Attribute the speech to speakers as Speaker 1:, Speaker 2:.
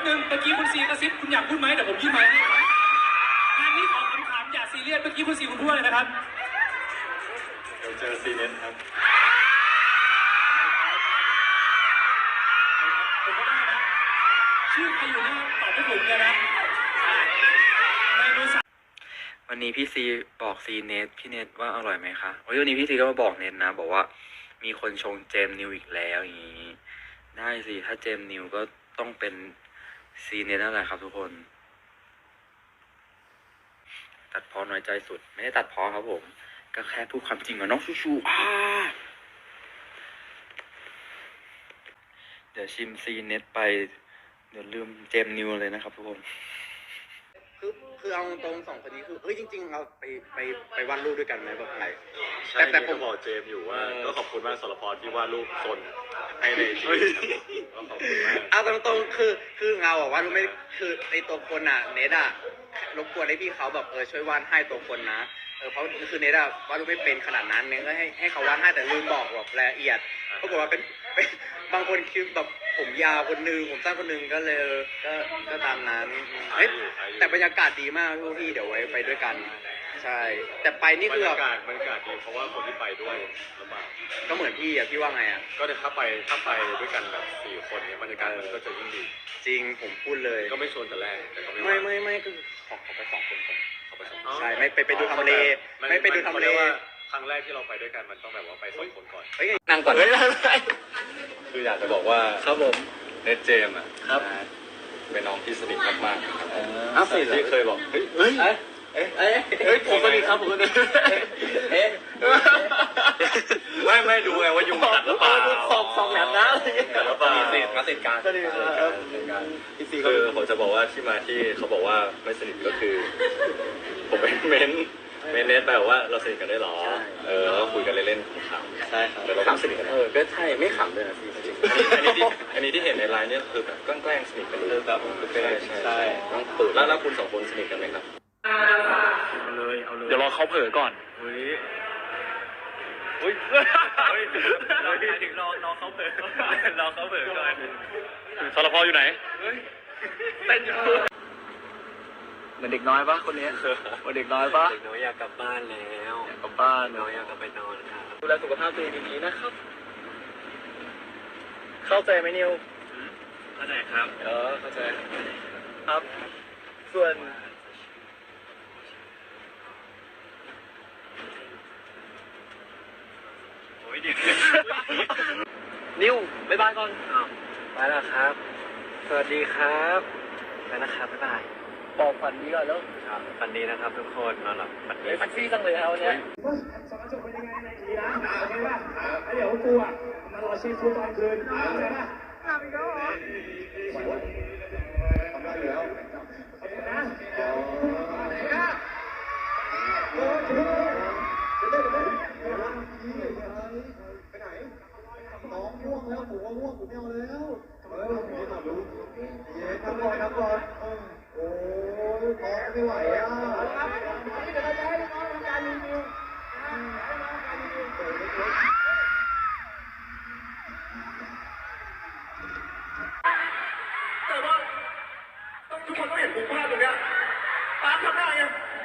Speaker 1: นึงเมื่อกี้คุณซีกระซิบคุณอยากพูดไหมเดี๋ยวผมยื่นไมค์ให้งานนี้ขอถามอย่าซีเรียสเมื่อกี้คุณซีคุณพูดอะไรนะครับ
Speaker 2: เดี๋ยวเจอซีเน็ตครับ
Speaker 1: ผมก็ได้นะชื่อใครอยู่นี่ตอบไม่ถูกเลยนะ
Speaker 3: วันนี้พี่ซีบอกซีเนทพี่เนทว่าอร่อยไหมคะวันนี้พี่ซีก็มาบอกเนทนะบอกว่ามีคนชงเจมนิวอีกแล้วอย่างนี้ได้สิถ้าเจมนิวก็ต้องเป็นซีเนทนั่นแหละครับทุกคนตัดพอน้อยใจสุดไม่ได้ตัดพอครับผมก็แค่พูดความจริงกับน้องชูเดี๋ยวชิมซีเนทไปเดี๋ยวลืมเจมนิวเลยนะครับทุกคน
Speaker 4: คือเอาตรงสองคนนี้คือจริงๆเราไปวาดรูปด้วยกันไหมแบบไหน
Speaker 2: แต่ผมบอกเจมอยู่ว่าก็ขอบคุณมากสรพรที่วาดรูปซนให้ในจีก็ขอบคุณมาก
Speaker 4: เอาตรงๆคือเงาบอกว่ารู้ไม่คือในตัวคนอ่ะเนทอ่ะรบกวนให้พี่เขาแบบช่วยวาดให้ตัวคนนะเพราะคือเนทอะวาดรูปไม่เป็นขนาดนั้นเนทก็ให้เขาวาดให้แต่ลืมบอกแบบรายละเอียดปรากฏว่าเป็นบางคนคือแบบผมยาวคนนึงผมสั้นคนนึงก็เลยก็ตามนั้นแต่บรรยากาศดีมากพี่เดี๋ยวไว้ไปด้วยกันใช่แต่ไปนี่คือบรรยากาศ
Speaker 2: ดีเพราะว่าคนที่ไปด้วยลำบาก
Speaker 4: ก็เหมือนพี่อะพี่ว่าไงอะ
Speaker 2: ก็ถ้าไปด้วยกันแบบ4 คนเนี่ยบรรยากาศมันก็จะยิ่งดี
Speaker 4: จริงผมพูดเลย
Speaker 2: ก็ไม่ชวนแต่แรกแต่ก็
Speaker 4: ไม่คือขอไป2 คนก่อนใช่ไม่ไปดูทำเลไม่ไปดูทำเล
Speaker 2: ครั้งแรกที่เราไปด้วยกันมันต้องแบบว่าไป2 คนก่อน
Speaker 4: นั่งก่อน
Speaker 2: คืออยากจะบอกว่า
Speaker 4: ครับผม
Speaker 2: เนทเจมอ่ะ
Speaker 4: ครับ
Speaker 2: เป็นน้องที่สนิทมาก
Speaker 4: ๆ
Speaker 2: ที่เคยบอก
Speaker 4: เฮ้ยผมสนิทครับผมสนิท
Speaker 2: ไม่ดูไงว่ายุงกัดหรือเปล่า
Speaker 4: สองแหลมนะ
Speaker 2: มีสิทธิ์มาติดการคือผมจะบอกว่าที่มาที่เขาบอกว่าไม่สนิทก็คือผมเป็นเมนเนทแบบว่าเราสนิทกันได้หรอเราคุยกันเล่นๆขำ
Speaker 4: ๆใช่ครับ
Speaker 2: แต่เราไม่สนิทกัน
Speaker 4: ก็ใช่ไม่ขำเลยนะพี่
Speaker 2: อันนี้ที่เห็นในไลน์เนี่ยคือแบบแกล้งสนิทกันเลยแบบ
Speaker 4: ใช่
Speaker 2: ต้องเปิดแล้วคุณ2 คนสนิทกันไหมครับ
Speaker 1: เอาเลยเดี๋ยวรอเขาเผลอก่อน
Speaker 2: เราถึงรอเขาเผลอก่อน
Speaker 1: สรพอยู่ไหน
Speaker 4: เต้นอยู่เหมือนเด็กน้อยปะคนนี้เหมือนเด็กน้อยปะ
Speaker 2: เด็กน้อยอยากกลับบ้านแล้ว
Speaker 4: อยากกลับบ้าน
Speaker 2: น้อยอยากกลับไปนอนครับ
Speaker 4: ดูแลสุขภาพตัวเองดีๆนะครับเข้าใจไหมนิว
Speaker 2: เข้าใจครับ
Speaker 4: เข้าใจครับส่วนนิวบ๊ายบายก่อนไปแล้วครับสวัสดีครับไปนะครับบ๊ายบายบอกฝันดีก่อนแล้ว
Speaker 2: ฝันดีนะครับทุกคนนอนหลับฝันดี
Speaker 4: แท็กซี่จังเลยครับวันนี้
Speaker 1: สองกระจกเป็นยังไงในทีนะโอเคป่ะเดี๋ยวกูอ่ะมารอชีฟูตอนคืนเข้าใจป่ะทำอีกแล้วเหรอทำได้แล้วขอบคุณนะไปไหนน้องง่วงแล้วผมว่าง่วงผมไม่เอาแล้วผมไม่รู้ทำก่อนโอ้ยน้องไม่ไหวอ่ะเดี๋ยวเราจะให้น้องทำการรีวิวให้น้องการรีวิวแต่ว่าทุกคนต้องเห็นมุมภาพตรงเนี้ยป๊าทำได้ยัง